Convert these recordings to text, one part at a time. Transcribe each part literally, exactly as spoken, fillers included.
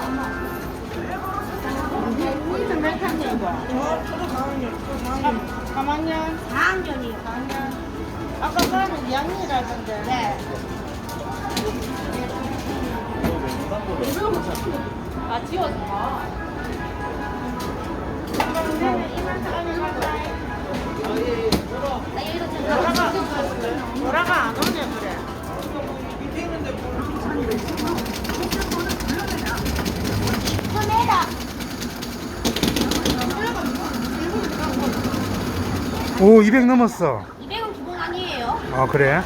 무슨 몇 학년이고? 저, 저도 사 학년, 저 사 학년. 삼 학년? 사 학년이요. 사 학년. 아까 그러면 이 학년이라던데. 네. 아, 지워서 봐. 나 여기서 지금 보라가, 보라가 안 오네, 그래. 손해라. 오, 이백 넘었어. 이백은 기본 아니에요. 아, 그래?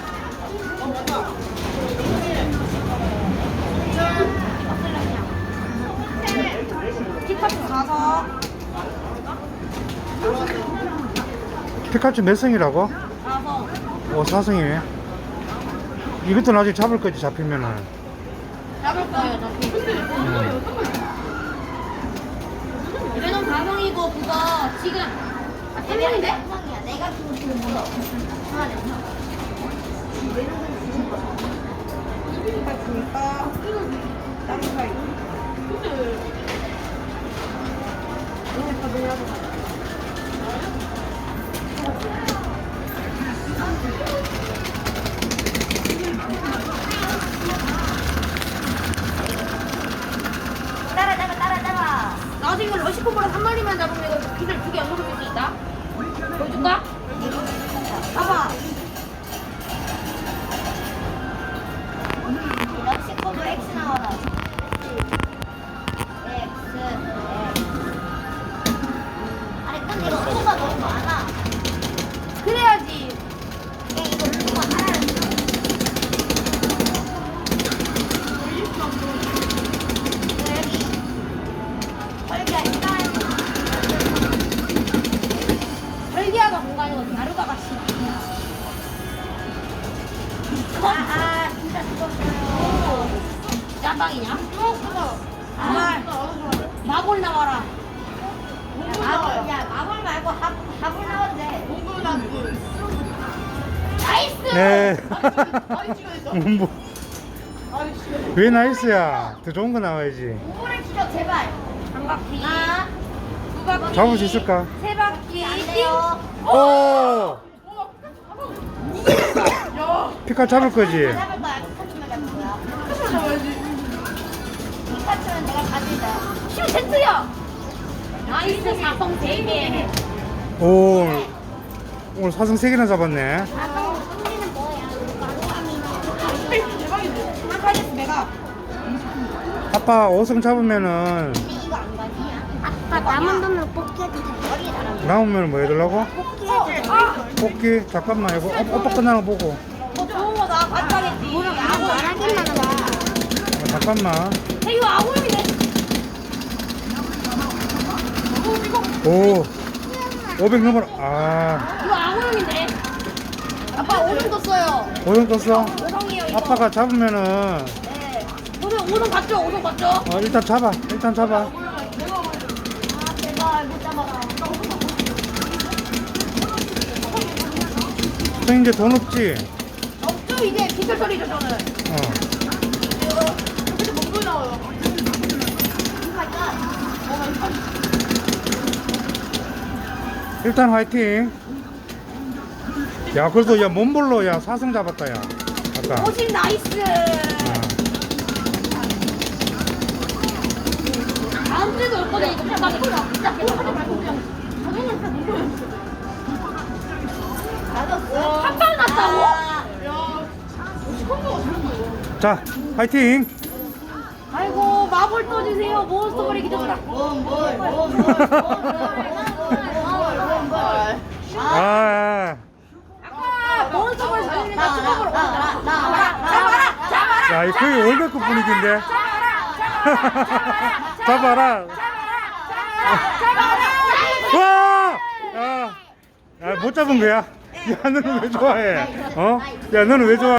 티커츠 사서 피카츄 몇 성이라고? 사서 오, 사 성이네. 이것도 나중에 잡을 거지, 잡히면은. 잡을 거예요. 저 음. 이래는 가성이고 그거 지금 아, 세 명인데? 가성이야. 내가 주고 지금 뭐 하나 주니까 다른 사이. 따라 잡아 따라 잡아. 나도 이거 러시코보라 한 마리만 잡으면 이거 비를 두개 연속으로 쓸 수 있다. 보여줄까? 봐봐. 러시코보 X 나와라. X X. 아니 근데 이거 수가 너무 많아. 그래야지. 야 이거 수가 하나를 절기하가 공간이고 나루가가 싫어. 아, 아, 진짜 죽었어요. 짬방이냐? 어, 아, 마골 나와라. 마골, 야, 마골 말고 하, 하골 나와도 돼. 나이스! 네. 뭐, 왜 나이스야? 더 좋은 거 나와야지. 오를 치죠, 제발. 한 바퀴. 아, 두 바퀴. 잡을 수 있을까? 세 바퀴. 안 돼요. 오! 피카 잡을 거지? 잡을 거야. 피카츄만 잡을 거야. 피카츄만 잡아야지. 피카츄는 내가 가진다. 슈 세트야. 나이스 사성 세 개. 오, 오늘 사성 세 개나 잡았네. 사성 승리는 뭐야? 대박이지. 한판에서 내가. 아빠 오 성 잡으면은, 이거 안 가지? 아빠 남은 돈으로 뽑기 해도 돼. 머리 잘하는 나오면 뭐 해달라고? 뽑기 해줘. 아! 뽑기? 잠깐만, 이거 오- 오빠 끝나는 거 보고. 어, 좋은 거나 같이 하겠지. 뭐라고 안 하기만 하자. 아, 잠깐만. 이거 아구용이네. 오, 오백 넘어라. 아, 이거 아구용인데. 아빠 오성 떴어요. 오 성 떴어? 오성이에요 이거. 아빠가 잡으면은, 네. 오성 오성 봤죠? 오성 봤죠? 어, 일단 잡아. 일단 잡아. 아 제발 못 잡아라. 형 이제 돈 없지? 없죠 이제 기술 소리죠 저는. 어. 근데 뭔 나와요? 일단 화이팅. 야, 그래도 야, 몸볼로 야, 사성 잡았다, 야. 아까. 오십 나이스. 다음 주에도 올 거네 이거. 나 이거 진짜 계속 하지 말고 그냥. 저녁을 진짜 못 보였어. 맞았어. 한방 났다고? 자, 화이팅. 아이고 마블 떠주세요. 몬스터볼이 기적이다. 아, 아. 아까 몬스터볼 살리니까 수박을 올라. 잡아라, 잡아라, 야, 이거 거의 월드컵 분위기인데. 잡아라. 와! 야, 야, 못 잡은 거야? 야, 너는 왜 좋아해? 어? 야, 너는 왜 좋아해?